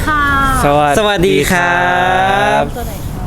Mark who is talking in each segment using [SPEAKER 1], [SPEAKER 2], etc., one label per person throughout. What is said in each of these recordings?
[SPEAKER 1] ค่ะ
[SPEAKER 2] สวัสดีครับ
[SPEAKER 1] ตัวไหนคะ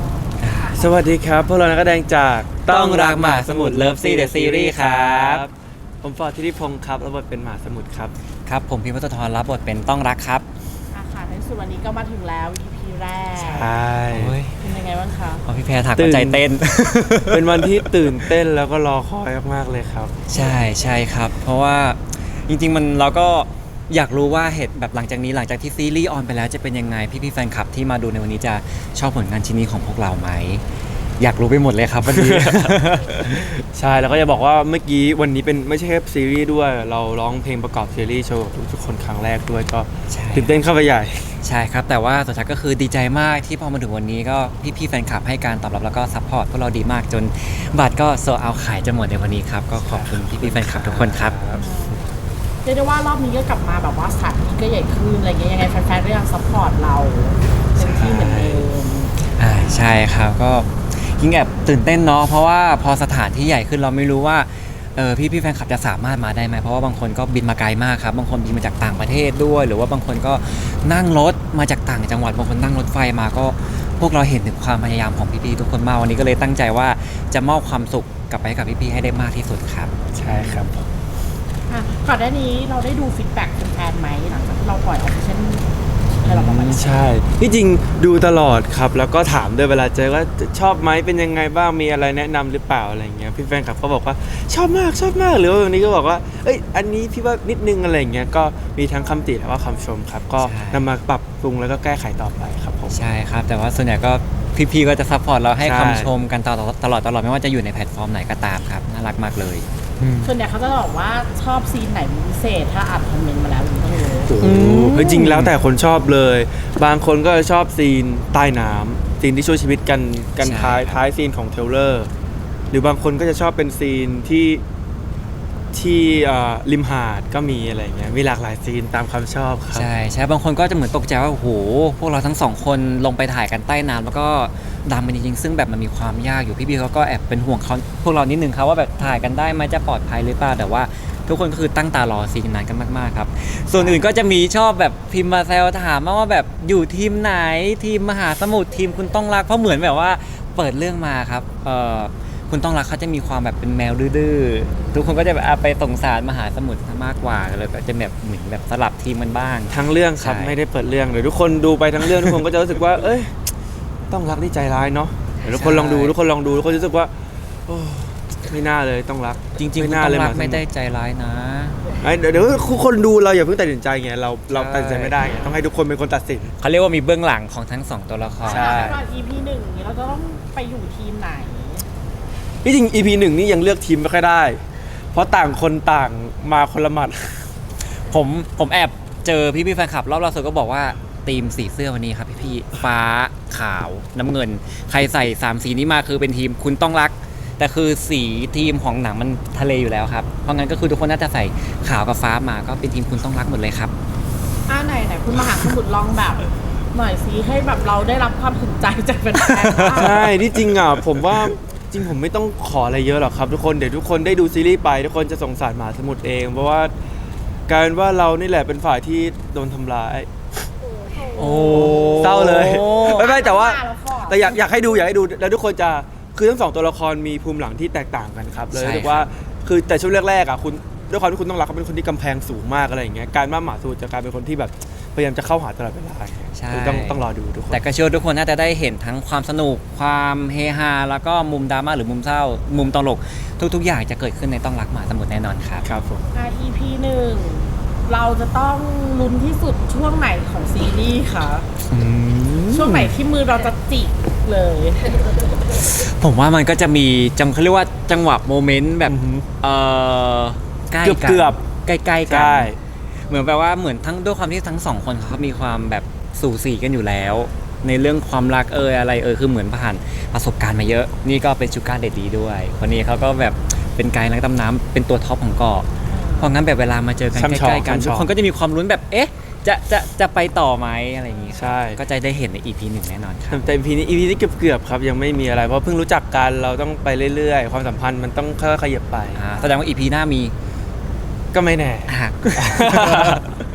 [SPEAKER 2] สวัสดีครับพวกเรานักแสดงจาก
[SPEAKER 3] ต้องรักหมาสมุทร Love Sea The Series ครับ
[SPEAKER 2] ผมฟอร์ดธิติพงศ์ครับรับบทเป็นหมาสมุทรครับ
[SPEAKER 3] ครับผมพิมพ์วัฒนทรรับบทเป็นต้องรักครับ
[SPEAKER 1] ค่ะในสุดวันนี้ก็มาถึงแล้ว EP แรก
[SPEAKER 2] ใช่
[SPEAKER 1] เป็นยังไงบ้างคะ
[SPEAKER 3] พอพี่แพรถักก็ใจเต้น
[SPEAKER 2] เป็นวันที่ตื่นเต้นแล้วก็รอคอยมากๆเลยครับ
[SPEAKER 3] ใช่ครับ เพราะว่าจริงๆเราก็อยากรู้ว่าเหตุแบบหลังจากนี้หลังจากที่ซีรีส์ออนไปแล้วจะเป็นยังไงพี่ๆแฟนคลับที่มาดูในวันนี้จะชอบผลงานชิ้นนี้ของพวกเราไหมอยากรู้ไปหมดเลยครับวันนี้
[SPEAKER 2] ใช่แล้วก็จะบอกว่าเมื่อกี้วันนี้เป็นไม่ใช่แค่ซีรีส์ด้วยเราร้องเพลงประกอบซีรีส์โชว์กับทุกคนครั้งแรกด้วยก็
[SPEAKER 3] ใช่
[SPEAKER 2] ตื่นเต้นเข้าไปใหญ่
[SPEAKER 3] ใช่ครับแต่ว่าสุดท้ายก็คือดีใจมากที่พอมาถึงวันนี้ก็พี่ๆแฟนคลับให้การตอบรับแล้วก็ซัพพอร์ตพวกเราดีมากจนบัตรก็โซเอาขายจะหมดในวันนี้ครับก็ขอบคุณพี่ๆแฟนคลับทุกคนครับ
[SPEAKER 1] เรียกได้ว่ารอบนี้ก็กลับมาแบบว่าสถานที่ก็ใหญ่ขึ้นอะไรเงี้ยยังไงแฟนๆก็ยังซัพพอร์ตเราเต็มที่เหมือนเดิม
[SPEAKER 3] ใช่ครับก็ยิ่งแอบตื่นเต้นเนาะเพราะว่าพอสถานที่ใหญ่ขึ้นเราไม่รู้ว่าพี่แฟนคลับจะสามารถมาได้ไหมเพราะว่าบางคนก็บินมาไกลมากครับบางคนบินมาจากต่างประเทศด้วย หรือว่าบางคนก็นั่งรถมาจากต่างจังหวัดบางคนนั่งรถไฟมาก็พวกเราเห็นถึงความพยายามของพี่ๆทุกคนมากวันนี้ก็เลยตั้งใจว่าจะมอบความสุขกลับไปให้กับพี่ๆให้ได้มากที่สุดครับ
[SPEAKER 2] ใช่ครับ
[SPEAKER 1] ก่อนหน้านี้เราได้ดูฟีดแบ็กแฟนๆไหมหลังจากที่เราปล่อยออฟฟิเชียลให้เราประมาณ
[SPEAKER 2] ใช่ที่จริงดูตลอดครับแล้วก็ถามด้วยเวลาเจอว่าชอบไหมเป็นยังไงบ้างมีอะไรแนะนำหรือเปล่าอะไรเงี้ยพี่แฟนคลับก็บอกว่าชอบมากหรือว่าวันนี้ก็บอกว่าเอ้ยอันนี้พี่ว่านิดนึงอะไรเงี้ยก็มีทั้งคำติและว่าคำชมครับก็
[SPEAKER 3] ใช่
[SPEAKER 2] นำมาปรับปรุงแล้วก็แก้ไขต่อไปครับผม
[SPEAKER 3] ใช่ครับแต่ว่าส่วนใหญ่ก็พี่ๆก็จะซัพพอร์ตเราให้
[SPEAKER 2] ใช่
[SPEAKER 3] คำชมกันตลอดไม่ว่าจะอยู่ในแพลตฟอร์มไหนก็ตามครับน่ารักมากเลย
[SPEAKER 1] ส่วนใหญ่เขาจะบอกว่าชอบซีนไหนเป็นพิเศษถ้าอ่านคอมเมนต์มาแล้วผมต้องรู้
[SPEAKER 2] โอ้โหเฮ้ยจริงแล้วแต่คนชอบเลย บางคนก็ชอบซีนใต้น้ำซีนที่ช่วยชีวิตกัน
[SPEAKER 3] ใช่
[SPEAKER 2] ท้ายซีนของเทรลเลอร์หรือบางคนก็จะชอบเป็นซีนที่ริมหาดก็มีอะไรเงี้ยมีหลากหลายซีนตามความชอบครับ
[SPEAKER 3] ใช่บางคนก็จะเหมือนตกใจว่าโอ้โหพวกเราทั้งสองคนลงไปถ่ายกันใต้น้ำแล้วก็ดำมันจริงๆซึ่งแบบมันมีความยากอยู่พี่ๆเขาก็แอบเป็นห่วงเขาพวกเรานิดนึงครับว่าแบบถ่ายกันได้ไหมจะปลอดภัยหรือเปล่าแต่ว่าทุกคนก็คือตั้งตารอซีนนั้นกันมากๆครับส่วนอื่นก็จะมีชอบแบบพิมพ์มาแซวถามมาว่าแบบอยู่ทีมไหนทีมมหาสมุทรทีมคุณต้องรักเพราะเหมือนแบบว่าเปิดเรื่องมาครับคุณต้องรักเขาจะมีความแบบเป็นแมวดื้อๆทุกคนก็จะแบบไปสงสารมหาสมุทรมากกว่าเลยก็จะแบบเหมือนแบบสลับทีมกันบ้าง
[SPEAKER 2] ทั้งเรื่องครับ
[SPEAKER 3] ใช่
[SPEAKER 2] ไม่ได้เปิดเรื่องเดี๋ยวทุกคนดูไปทั้งเรื่อง ทุกคนก็จะรู้สึกว่า เอ้ยต้องรักที่ใจร้ายเนาะเดี๋ยวทุกคนลองดูทุกคนรู้สึกว่าโอ้ไม่น่าเลยต้องรัก
[SPEAKER 3] จริงๆ
[SPEAKER 2] ไม่
[SPEAKER 3] คุณ
[SPEAKER 2] น่า
[SPEAKER 3] ต้อง
[SPEAKER 2] เลย
[SPEAKER 3] รัก
[SPEAKER 2] หาส
[SPEAKER 3] ไม่
[SPEAKER 2] มุท
[SPEAKER 3] ได้
[SPEAKER 2] ร
[SPEAKER 3] ใจร้ายนะ
[SPEAKER 2] เดี๋ยวคนดูเราอย่าเพิ่งตัดสินใจไงเราตัดสินใจไม่ได้ไงต้องให้ทุกคนเป็นคนตัดสิน
[SPEAKER 3] เขาเรียกว่ามีเบื้องหลังของทั้งสองตัวละคร
[SPEAKER 2] ใช่
[SPEAKER 1] ตอน EP หนึ่งนี้เราจะต้องไปอยู่ทีมไหน
[SPEAKER 2] ที่จริง EP 1นี่ยังเลือกทีมไม่ค่อยได้ เพราะต่างคนต่างมาคนละหมัด
[SPEAKER 3] ผมแอบเจอพี่แฟนคลับรอบล่าสุดก็บอกว่าทีมสีเสื้อวันนี้ครับพี่ฟ้าขาวน้ำเงิน ใครใส่3สีนี้มาคือเป็นทีมคุณต้องรัก แต่คือสีทีมของหนังมันทะเลอยู่แล้วครับเพราะงั้นก็คือทุกคนน่าจะใส่ขาวกับฟ้ามาก็เป็นทีมคุณต้องรักหมดเลยครับ
[SPEAKER 1] ไหนคุณมหาสมุทรลองแบบหน่อยสิให้แบบเราได้รับความสนใจจากแฟนๆบ้าง
[SPEAKER 2] ใช่ที่จริงอ่ะผมว่าจริงผมไม่ต้องขออะไรเยอะหรอกครับทุกคนเดี๋ยวทุกคนได้ดูซีรีส์ไปทุกคนจะสงสารหมาสมุทรเอง เพราะว่ากลายเป็นว่าเรานี่แหละเป็นฝ่ายที่โดนทำร้าย
[SPEAKER 3] โอ้
[SPEAKER 2] เศร้าเลยไม่แต่ว่า
[SPEAKER 1] แล้วก็
[SPEAKER 2] แต่อยากให้ดูแล้วทุกคนจะคือทั้งสองตัวละครมีภูมิหลังที่แตกต่างกันครับเลย
[SPEAKER 3] ใช่
[SPEAKER 2] รู้สึกว่าคือแต่ช่วงแรกๆอ่ะคุณด้วยความที่คุณต้องรักเขาเป็นคนที่กำแพงสูงมากอะไรอย่างเงี้ยการว่าหมาสูจะกลายเป็นคนที่แบบพยายามจะเข้าหาตลอดเวลาอย่างเงี้ย
[SPEAKER 3] ใช่
[SPEAKER 2] คือต้องรอดูทุกคน
[SPEAKER 3] แต่ก็เชื่อว่าทุกคนน่าจะได้เห็นทั้งความสนุกความเฮฮาแล้วก็มุมดราม่าหรือมุมเศร้า มุมตลกทุกๆอย่างจะเกิดขึ้นในต้องรักหมาสมุทรแน่นอนครับ
[SPEAKER 2] ครับผม
[SPEAKER 1] EP หนึ่งเราจะต้องลุ้นที่สุดช่วงไหนของซีรีส์คะช่วงไหนที่มือเราจะจิกเลย
[SPEAKER 3] ผมว่ามันก็จะมีเขาเรียกว่าจังหวะโมเมนต์แบบ
[SPEAKER 2] อือหือ
[SPEAKER 3] ใกล้
[SPEAKER 2] เกือบ
[SPEAKER 3] ใกล้ๆกั
[SPEAKER 2] ใช่
[SPEAKER 3] เหมือนแปลว่าเหมือนทั้งด้วยความที่ทั้งสองคนเขามีความแบบสู่สีกันอยู่แล้ว ในเรื่องความรักอะไรคือเหมือนผ่านประสบการณ์มาเยอะ นี่ก็เป็นชูการ์เด็ดดีด้วยคนนี้เขาก็แบบเป็นไกด์นักดำน้ำเป็นตัวท็อปของเกาะเพราะงั้นแบบเวลามาเจอกัน
[SPEAKER 2] ช่ำชอง
[SPEAKER 3] ใกล้ๆกัน
[SPEAKER 2] ช่ำชอง
[SPEAKER 3] ทุกคนก็จะมีความลุ้นแบบเอ๊ะจะไปต่อไหมอะไรอย่างงี้
[SPEAKER 2] ใช่
[SPEAKER 3] ก็จะได้เห็นใน EP 1แน่นอนครับ
[SPEAKER 2] แต่ EP นี้เกือบครับยังไม่มีอะไรเพราะเพิ่งรู้จักกันเราต้องไปเรื่อยๆ ความสัมพันธ์มันต้องค่อยๆขยับไป
[SPEAKER 3] แสดงว่า EP หน้ามี
[SPEAKER 2] ก็ไม่แน่
[SPEAKER 3] อ่ะ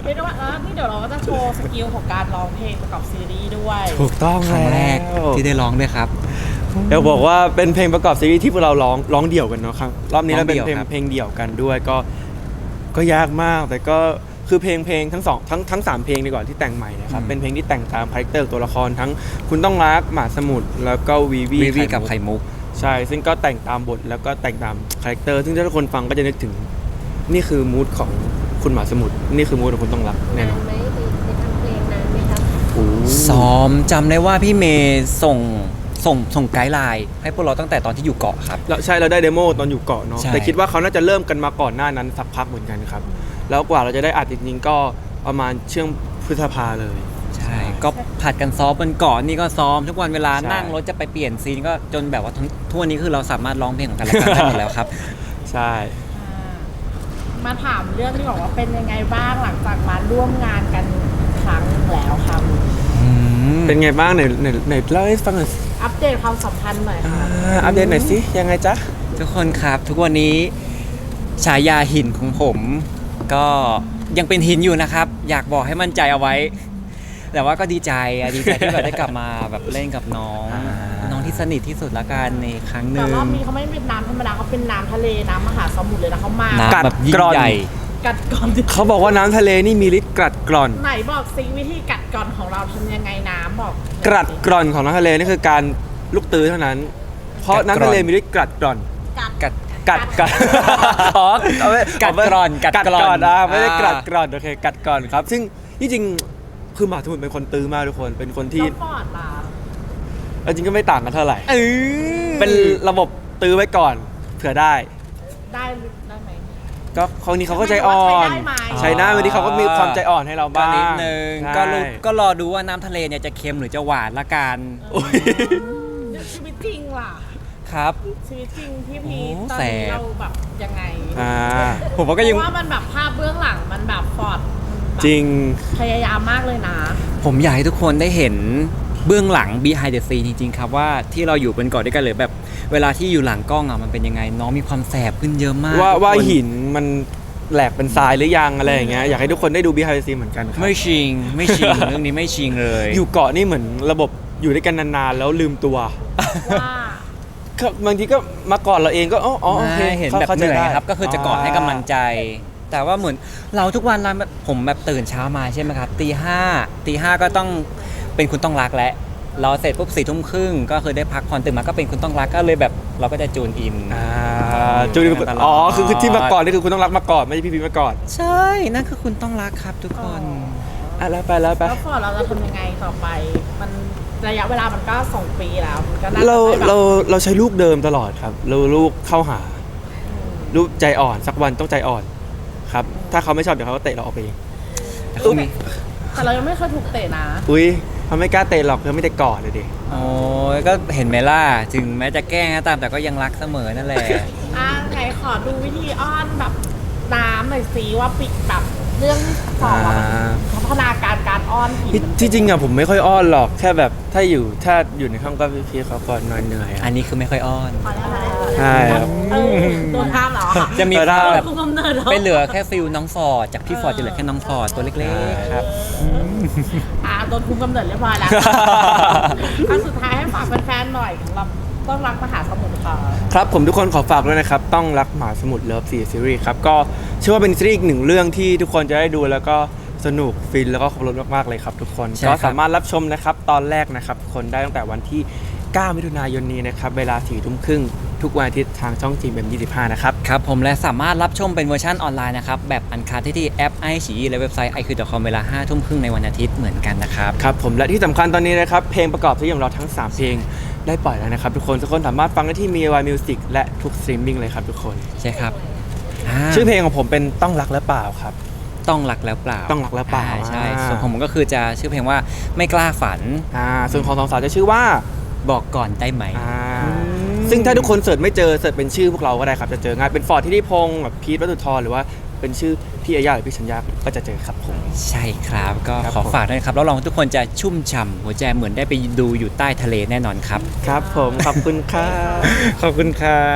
[SPEAKER 1] เรียกได้ว่านี่เดี๋ยวเราก็จะโชว์สกิลของการร้องเพลงประกอบซีรีส์ด้วย
[SPEAKER 2] ถูกต้อง
[SPEAKER 3] ครั้งแรก
[SPEAKER 2] ล้ว
[SPEAKER 3] ที่ได้ร้องด้วยครับ
[SPEAKER 2] เดี๋ยวบอกว่าเป็นเพลงประกอบซีรีส์ที่พวกเราร้องเดี่ยวกันเนาะครับรอบนี้เราเป็น
[SPEAKER 3] ร้องเดี่ยวครับ
[SPEAKER 2] เพลงเดี่ยวกันด้วยก็ยากมากแต่ก็คือเพลงทั้งทั้งสามเพลงดีกว่าที่แต่งใหม่นะครับเป็นเพลงที่แต่งตามคาแรคเตอร์ตัวละครทั้งคุณต้องรักหมาสมุทรแล้วก็วีวี
[SPEAKER 3] วีวีกับไข่มุก
[SPEAKER 2] ใช่ซึ่งก็แต่งตามบทแล้วก็แต่งตามคาแรคเตอร์ซึ่งถ้าทุกคนฟังก็จะนึกถึงนี่คือมูดของคุณหมาสมุทรนี่คือมูดของคุณต้องรักแน่นอน
[SPEAKER 4] ไหมในทำเพลงนานไหมครับ
[SPEAKER 2] โอ้
[SPEAKER 3] ซ้อมจำได้ว่าพี่เมย์ส่งไกด์ไลน์ให้พวกเราตั้งแต่ตอนที่อยู่เกาะครับ
[SPEAKER 2] ใช่เราได้เดโมตอนอยู่เกาะเนาะ
[SPEAKER 3] ใช่
[SPEAKER 2] แต่คิดว่าเขาน่าจะเริ่มกันมาก่อนหน้านั้นสักพักเหมือนกันครับแล้วกว่าเราจะได้อัดจริงๆก็ประมาณช่วงพฤษภาเลย
[SPEAKER 3] ใช่ก็ผัดกันซ้อมบนเกาะนี่ก็ซ้อมทุกวันเวลา
[SPEAKER 2] ใช่
[SPEAKER 3] นั่งรถจะไปเปลี่ยนซีนก็จนแบบว่าทั่วนี้คือเราสามารถร้องเพลงของกันและกันได้หมดแล้วครับ
[SPEAKER 2] ใช่
[SPEAKER 1] มาถามเรื่องที่บอกว่าเป็นยังไงบ้างหลังจากมาร่วมงานกันครั้งหนึ่งแล้วครับ
[SPEAKER 2] เป็นไงบ้างไหนเล่าให้ฟังหน่อยสิ
[SPEAKER 1] อัปเดตความสัมพันธ์หน่อยค่ะ
[SPEAKER 2] อัปเดตหน่อยสิยังไงจ๊ะ
[SPEAKER 3] ทุกคนครับทุกวันนี้ฉายาหินของผมก็ยังเป็นหินอยู่นะครับ อยากบอกให้มั่นใจเอาไว้ แต่ว่าก็ดีใจที่แบบได้กลับมาแบบเล่นกับน้อง น้องที่สนิทที่สุดละกันในครั้งห
[SPEAKER 1] แต่
[SPEAKER 3] นึ่ง
[SPEAKER 1] รอบนี้เขาไม่เป็นน้ำธรรมดาเขาเป็นน้ำทะเลน้ำมหาสมุทรเลยนะเขามา
[SPEAKER 3] น้ำแบบยิ่งใหญ่
[SPEAKER 1] กัดก่อน
[SPEAKER 2] เขาบอกว่าน้ำทะเลนี่มีฤทธิ์กรัดกร่อน
[SPEAKER 1] ไหนบอกซิวิธีกัดก่อนของเราทำยังไงน้ำบอก
[SPEAKER 2] กรัดกร่อนของน้ำทะเลนี่คือการลูกตื้อเท่านั้น เพราะน้ำทะเลมีฤทธิ์กรัดกร่อน
[SPEAKER 1] กัด
[SPEAKER 3] กัด
[SPEAKER 2] อ๋อเอาไว้
[SPEAKER 3] กัดกร่อนกัด
[SPEAKER 2] กัด
[SPEAKER 3] กร่อน
[SPEAKER 2] กร่อนไม่ได้
[SPEAKER 3] อ่า
[SPEAKER 2] กรัดกร่อนโอเคกัดกร่อนครับ ซึ่งที่จริงคือหมาสมุทรเป็นคนตื้อมากทุกคนเป็นคนที่
[SPEAKER 1] แล้วปอดล่ะ
[SPEAKER 2] จริงก็ไม่ต่างกันเท่าไหร่
[SPEAKER 3] เออ
[SPEAKER 2] เป็นระบบตื้อไว้ก่อนเผื่อได้
[SPEAKER 1] ได้ไหม
[SPEAKER 2] ก็คราวนี้เขาก็ใจอ่อน
[SPEAKER 1] ใช้ได้ไหม
[SPEAKER 2] ใช้ได้วันนี้เขาก็มีความใจอ่อนให้เรา
[SPEAKER 3] ก็
[SPEAKER 2] บ้าง
[SPEAKER 3] นิดนึง
[SPEAKER 2] ใช่
[SPEAKER 3] ก็รอดูว่าน้ำทะเลเนี่ยจะเค็มหรือจะหวานละกัน
[SPEAKER 2] โอ้ย
[SPEAKER 1] ชีวิตจริงล่ะ
[SPEAKER 3] ครับ
[SPEAKER 1] ชีวิตจริงพี่พี
[SPEAKER 3] โอ้
[SPEAKER 1] ตอน
[SPEAKER 3] แส
[SPEAKER 1] นี้
[SPEAKER 3] บ
[SPEAKER 1] เราแบบยังไง
[SPEAKER 2] อ่า
[SPEAKER 3] ผมว่าก็
[SPEAKER 1] เพ
[SPEAKER 3] ยัง
[SPEAKER 1] ราะว่ามันแบบภาพเบื้องหลังมันแบบฟอร์ดมันแบบ
[SPEAKER 2] จริง
[SPEAKER 1] พยายามมากเลยนะ
[SPEAKER 3] ผมอยากให้ทุกคนได้เห็นเบื้องหลัง behind the scene จริงๆครับว่าที่เราอยู่บนเกาะด้วยกันหรือแบบเวลาที่อยู่หลังกล้องอ่ะมันเป็นยังไงน้องมีความแสบขึ้นเยอะมาก
[SPEAKER 2] ว่า
[SPEAKER 3] ทุกคน
[SPEAKER 2] ว่าหินมันแหลกเป็นทรายหรือยังอะไรอย่างเงี้ยอยากให้ทุกคนได้ดู behind the scene เหมือนกันครับ
[SPEAKER 3] ไม่ชิง เรื่องนี้ไม่ชิงเลย
[SPEAKER 2] อยู่เกาะนี่เหมือนระบบอยู่ด้วยกันนานๆแล้วลืมตัว
[SPEAKER 1] ว่า
[SPEAKER 2] ก็บางทีก็มาก่อนเราเองก็อ๋อโอเค
[SPEAKER 3] ไม่เห็นแบบ
[SPEAKER 2] ข้า
[SPEAKER 3] เห
[SPEAKER 2] ใจ
[SPEAKER 3] นื่อย
[SPEAKER 2] ได้
[SPEAKER 3] ครับก็คือจะกอดให้กำลังใจ แต่ว่าเหมือนเราทุกวันเราผมแบบตื่นเช้ามาใช่ไหมครับตีห้าก็ต้องเป็นคุณต้องรักแล้วเราเสร็จปุ๊บ4 ทุ่มครึ่งก็คือได้พักผ่อนตื่นมาก็เป็นคุณต้องรักก็เลยแบบเราก็จะจูนอิน
[SPEAKER 2] จูน
[SPEAKER 3] ตลอด
[SPEAKER 2] อ๋อคือที่มาก่อนนี่คือคุณต้องรักมาก่อนไม่ใช่พี่พีมาก่อน
[SPEAKER 3] ใช่นั่นคือคุณต้องรักครับทุกคน
[SPEAKER 2] อ่ะแล้วไป
[SPEAKER 1] แล้วฟอร์ดเราจะทำยังไงต่อไป มันระยะเวลามันก็2 ปีแล้วมันก็น่าจะ
[SPEAKER 2] เรา
[SPEAKER 1] ได้แบบ
[SPEAKER 2] เราใช้ลูกเดิมตลอดครับเราลูกเข้าหา ลูกใจอ่อนสักวันต้องใจอ่อนครับ ถ้าเขาไม่ชอบเดี๋ยวเขาก็เตะเราออกไปเอง
[SPEAKER 3] แต่เขามี
[SPEAKER 1] แต่เรายังไม่เคยถูกเตะนะ
[SPEAKER 2] อุ้ยเขาไม่กล้าเตะหรอกเขาไม่ได้กอดเลยดิ
[SPEAKER 3] โอ้ยก็เห็นไหมล่ะถึงแม้จะแกล้งก็ตามแต่ก็ยังรักเสมอนั่นแหละ
[SPEAKER 1] ไงขอดูวิธีอ้อนแบบน้ำหน่อยสิว่าปิดแบบเรื่องสองพัฒนาการอ้อนผีมัน
[SPEAKER 2] ที่จริงอะผมไม่ค่อยอ้อนหรอกแค่แบบถ้าอยู่ในห้องก็พี่เขาก่อนนอนเหนื่อย
[SPEAKER 3] อั
[SPEAKER 2] อะ
[SPEAKER 3] นนี้คือไม่ค่อยอ้อน
[SPEAKER 1] พอแล้ว
[SPEAKER 2] ใช่ครับ
[SPEAKER 1] โดนห้ามเหรอ
[SPEAKER 3] จะมี
[SPEAKER 2] เออได้
[SPEAKER 3] แบบ
[SPEAKER 1] คุมกำเนิดเหรอ
[SPEAKER 3] ไปเหลือแค่ฟิลน้องฟอร์ดจากพี่ฟอร์ดจะเหลือแค่น้องฟอร์ดตัวเล็กๆครับ
[SPEAKER 1] โดนคุมกำเนิดเรียบร้อยแล้วอันสุดท้ายให้ฝากแฟนๆหน่อยสำหรับต้องรักมหาสมุทรค่ะ
[SPEAKER 2] ครับผมทุกคนขอฝากด้วยนะครับ ต้องรักหมาสมุทรเลิฟ4ซีรีส์ครับก็เชื่อว่าเป็นซีรีส์อีกหนึ่งเรื่องที่ทุกคนจะได้ดูแล้วก็สนุกฟินแล้วก็ครบรสมากๆเลยครับทุกคน
[SPEAKER 3] ใช่ครั
[SPEAKER 2] ก็
[SPEAKER 3] บ
[SPEAKER 2] สามารถรับชมนะครับตอนแรกนะครับทุกคนได้ตั้งแต่วันที่ 9 มิถุนายนนี้นะครับเวลา 4 ทุ่มครึ่งทุกวันอาทิตย์ทางช่องจีเอ็ม25นะครับ
[SPEAKER 3] ครับผมและสามารถรับชมเป็นเวอร์ชันออนไลน์นะครับ แบบอันคัดที่แอปไอฉีและเว็บไซต์ iq.com เวลา 5 ทุ่มครึ่งในวันอาทิตย์เหมือนกันนะครับ
[SPEAKER 2] ครับผมและที่สำคัญตอนนี้นะครับเพลงประกอบซีรีส์ของเราทั้ง 3 เพลงได้ปล่อยแล้วนะครับทุกคนสามารถฟังได้ที่ MIUI Music และทุกสตรีมมิ่งเลยครับทุกคน
[SPEAKER 3] ใช่ครับ
[SPEAKER 2] ชื่อเพลงของผมเป็นต้องรักและเปล่าครับ
[SPEAKER 3] ต้องรักแล้วเปล่า
[SPEAKER 2] ต้องรักแล้วเปล่า
[SPEAKER 3] ใช่
[SPEAKER 2] อ่า
[SPEAKER 3] ส่วนของผมก็คือจะชื่อเพลงว่าไม่กล้าฝัน
[SPEAKER 2] ส่วนของสองสาวจะชื่อว่า
[SPEAKER 3] บอกก่อนได้ไหม
[SPEAKER 2] ซึ่งถ้าทุกคนเสิร์ชไม่เจอเสิร์ชเป็นชื่อพวกเราก็ได้ครับจะเจอง่ายเป็นฟอร์ดที่นิพงศ์แบบพีทวัตุธรหรือว่าเป็นชื่อพี่อาญาหรือพี่ชัญญาก็จะเจอครับผม
[SPEAKER 3] ใช่ครับก็
[SPEAKER 2] ครับ
[SPEAKER 3] ขอ
[SPEAKER 2] ผม
[SPEAKER 3] ฝากด้วยนะครับแล้วลองทุกคนจะชุ่มฉ่ำหัวใจเหมือนได้ไปดูอยู่ใต้ทะเลแน่นอนครับ
[SPEAKER 2] ครับผมขอบคุณครับ ขอบคุณครับ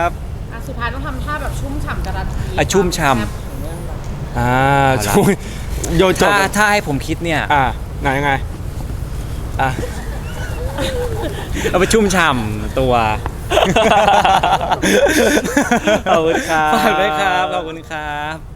[SPEAKER 1] สุดท้ายต้องทำท่าแบบชุ่มฉ่ำการันตี
[SPEAKER 3] ชุ่มฉ่ำ
[SPEAKER 1] ความแซ่บของเรื่องเรา
[SPEAKER 2] ชุ่มโยนโจทย์
[SPEAKER 3] ถ้าให้ผมคิดเนี่ย
[SPEAKER 2] ไหนยังไงอ่ะ
[SPEAKER 3] เอาไปชุ่มฉ่ำตัว
[SPEAKER 2] ขอบคุณครับ
[SPEAKER 3] ฝากด้วยครับ ขอบคุณครับ